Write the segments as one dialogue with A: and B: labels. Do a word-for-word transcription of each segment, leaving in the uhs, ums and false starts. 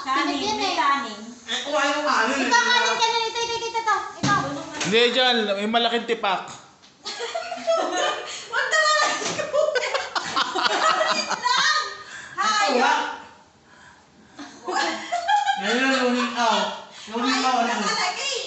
A: Kanin yan eh. Kanin.
B: Eh, kumain yung kanin.
A: Ito, kanin ka na. Ito, ito, ito, ito. Ito.
C: Hindi dyan, may malaking tipak.
A: Huwag na lang. Kanin lang. Hayop.
B: Yan yung luling aw. Luling aw.
A: Hayop na talaga eh.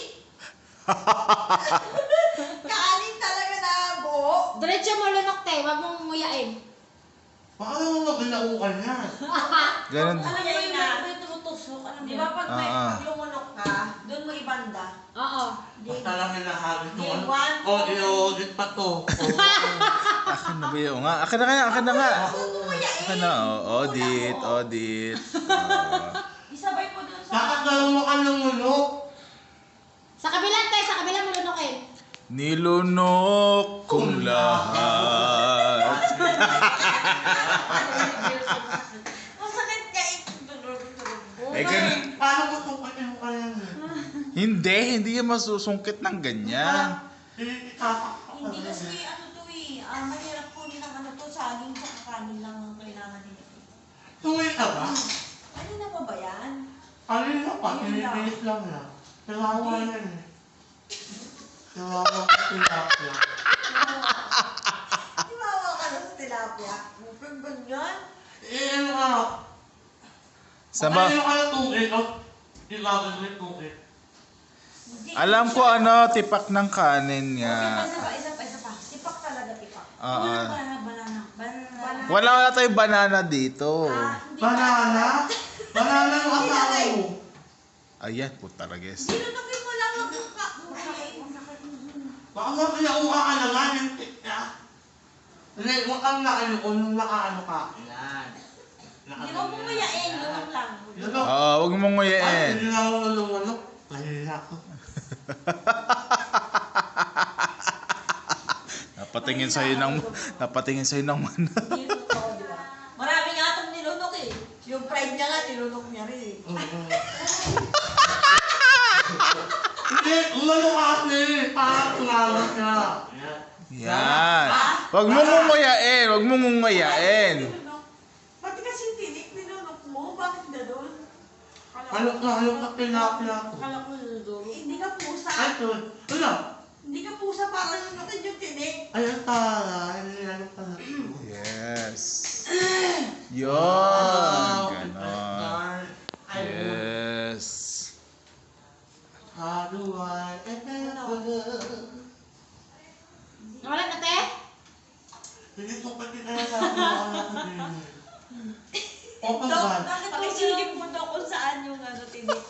A: Kanin talaga na buo. Diretso mo lunok te. Huwag mong nguyain.
B: Baka naman maginaukan yan.
C: Ganun.
A: Alam mo yung may tumutusok. Alam mo
D: Di ba pag may
C: Ah, ah.
D: pag lumunok ka, doon mo ibanda?
A: Oo.
B: Basta lang nilahagis ng ano.
D: One,
B: O, i-audit pa to.
C: Akin na ba yun nga? Akin na kaya, akin na nga.
A: Nguyain.
C: Akin na, oh, audit, audit. Ah.
D: isabay mo doon sa...
B: Bakit gano'n mo ka ng lunok?
A: Sa kabilang te. Sa kabilang mo lunokin.
C: Nilunok kong lahat.
D: Ang sakit ka eh.
C: Eh, ganun.
B: Paano mo tungkatin mo ka yan?
C: Hindi, hindi yan masusungkit ng ganyan.
B: Itapak ka
D: Hindi kasi ano to eh. Ah, mahirap kunin ang ano to. Saging sa kakanin lang ang kailangan nila.
B: Tuwi ka ba?
D: Ano na ba ba yan?
B: Kanina pa, pinipilit lang na. Kawawa yan eh. Kawawa ka tilapia.
D: Iwawa ka na sa tilapia. Upag ganyan.
B: Eh, ano ka?
C: Saba,
B: Kanina ka na tuwi, o? Ilagay mo yung tuwi.
D: Hindi.
C: alam ko ano, tipak ng kanin
D: Isa
C: nga.
D: pa, isa pa, isa pa, isa pa. Tipak talaga, tipak.
C: Oo.
D: Ano na banana, banana, banana.
C: Wala wala tayong banana dito.
D: Ah, hindi
B: Banana? Banana yung asawa mo.
C: Ayan, puta rages.
D: Dinunukin mo lang ang mukha. Masakit, masakit.
B: Baka mo pinauha ka na nga yung tikya. Hindi, huwag kang nakaano kung nakaano ka. Yan.
D: Hindi mo pumayain, lunok lang.
B: Lunok.
C: Oo, wag mong
B: Ay,
C: nguyain.
B: hindi na ako nalunok. Kaya ako.
C: Napatingin sa'yo ng, napatingin sa'yo ng mana.
D: Hindi totoo, di ba? Marami nga itong nilunok eh. Yung pride niya nga, nilunok niya rin eh.
B: Hindi, umano ka kasi. Parang tumawa siya. Yan.
C: Yan. Wag mong nguyain, wag mong nguyain.
D: Nilunok. Pati kasi tinik, nilunok mo. Bakit na doon?
B: Halok na, halok na tilapia ko.
D: Akala ko nilunok. Hindi ka pusa.
B: Ay, ito. Ano?
D: Hindi ka pusa para lunukin yung tinik.
B: Ay, ang tara. Hindi na lang pala.
C: Yes. Yun. Ganon. Yes.
B: Haluan.
A: Wala na te?
B: Hindi ko pati na sa akin. Open
D: Dok,
B: ba?
D: bakit pakisilip mo daw kung saan yung ano tinik?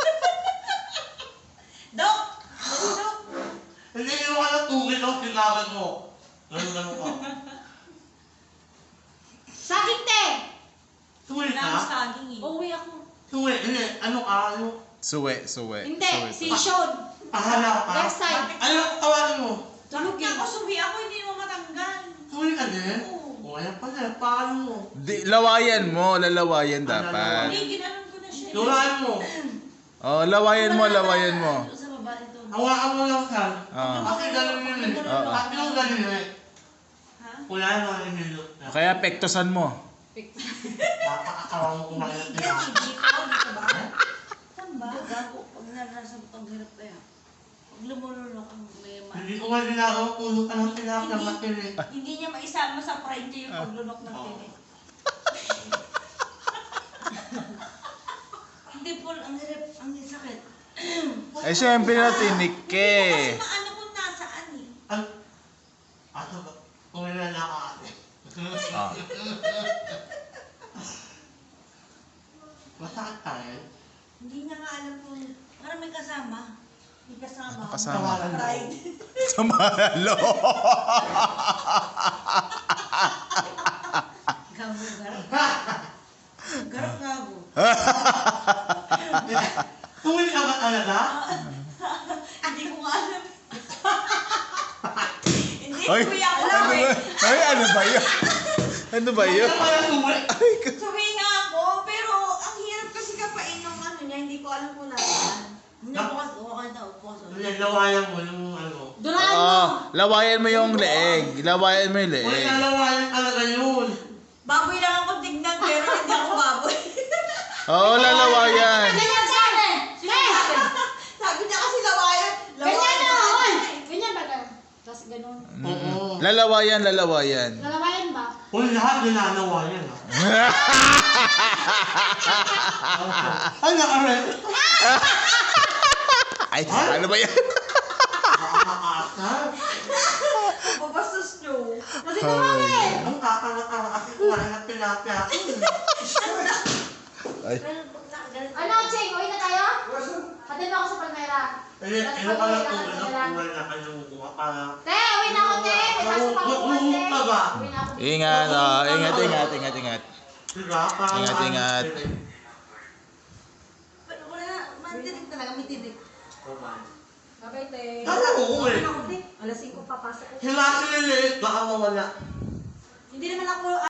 D: Dok! Dok!
B: Hindi yung ano tugil ang tinagan mo. Ganun ganun ka.
A: Saging te!
B: Tuwi
D: Wala akong
B: ka?
D: saging eh.
A: Uwi ako.
B: Tuwi. Hindi. Ano ka? Ano?
C: Suwe, suwe.
A: Hindi.
C: Suwe
A: Si
C: to.
A: Sean.
B: Pahala ka?
A: Left side.
B: Ano ang tawarin mo?
D: Tulog ako, subi ako, hindi mo matanggal.
B: Tuwi ka din?
D: Oo.
B: O kaya pala. Paano mo?
C: Di, lawayan mo, lalawayan dapat.
D: Hindi, ginanon ko na siya.
B: Tulaan mo.
C: Oh, lawayan mo, lawayan mo.
D: Sa baba ito.
B: Hawakan mo lang ka.
C: Ah.
B: Kasi ganun yun eh.
C: Oo.
B: Kasi yung ganun eh.
D: Ha?
B: Wala na ang inilot na.
C: Kaya pektosan mo.
B: Napakakawa mo kumain ng
D: Hindi,
B: tira.
D: dito, dito ba? Saan ba? Gago, pag narasa mo itong hirap kaya. Pag lumulunok ang may ma-
B: Hindi ko nga ginagawa puno ka ng tinapia ng matili.
D: Hindi niya maisama sa pride niya yung paglunok ng tinik. Hindi po, ang hirap, ang sakit.
C: Eh, siyempre na tinik
D: Hindi
C: eh.
D: mo kasi maano kung nasaan eh.
B: Ano? Ano ba? Kumila na ka ate.
C: Ah.
B: Masakit tayo.
D: Hindi niya nga alam kung, parang may kasama. May kasama.
C: Ano kasama?
B: Tawaran mo.
D: Pride.
C: Sa malo.
D: Gago, garap. Garap gago.
B: Kumila ka ba talaga?
D: Hindi ko nga alam. Hindi,
C: Ay,
D: kuya ko
C: ano
D: lang
C: ba?
D: eh.
C: Ay, ano ba yun? Ano ba yun?
B: Ano pala tuwi?
C: Ay, ka-
D: Sabi nga ako, pero ang hirap kasi kapain ng ano niya, hindi ko alam kung nasaan. Hindi ko kasi, okay na, upo sa
B: Lalawayan mo yung ano.
A: Duraan mo.
C: Oo, lawayan mo yung leeg. Lawayan mo yung
B: Uy,
C: leeg.
B: lalawayan talaga yun.
D: Baboy lang ako tignan, pero hindi ako baboy.
C: Oo, lalawayan.
A: Ganyan siya. Eh!
D: Sabi niya kasi lawayan.
A: Ganyan na, oy! Ganyan ba ganun? Tapos ganun.
B: Oo.
C: Lalawayan, lalawayan.
A: Lalawayan ba?
B: Kung lahat ninanawa yan ah. Ano ka rin?
C: Ay, ano ba yan?
B: Nakakaasar.
D: Babastos niyo.
A: Kasi naman eh!
B: Ang kakalakara kasi kumain ng tilapia ako.
C: Ay.
A: Ano, Cheng? Uwi na tayo? Hatid mo ako sa Palmera.
B: Eh, ano ka lang kung ano, kumain na kayo kuha para...
A: Te, uwi na ako, te! May pasok pa ako, te!
B: Ka ba?
A: Uwi na ako.
C: Ingat, ah. Ingat, ingat, ingat, ingat.
B: Diba? Parang
C: Ingat,
B: ano,
C: ingat.
B: eh.
D: Pero wala na, matinig talaga, may tinig.
A: Babay, te.
B: Ano, oo eh.
D: Alas singko papasok ko.
B: Sila sila baka mawala.
D: Hindi naman ako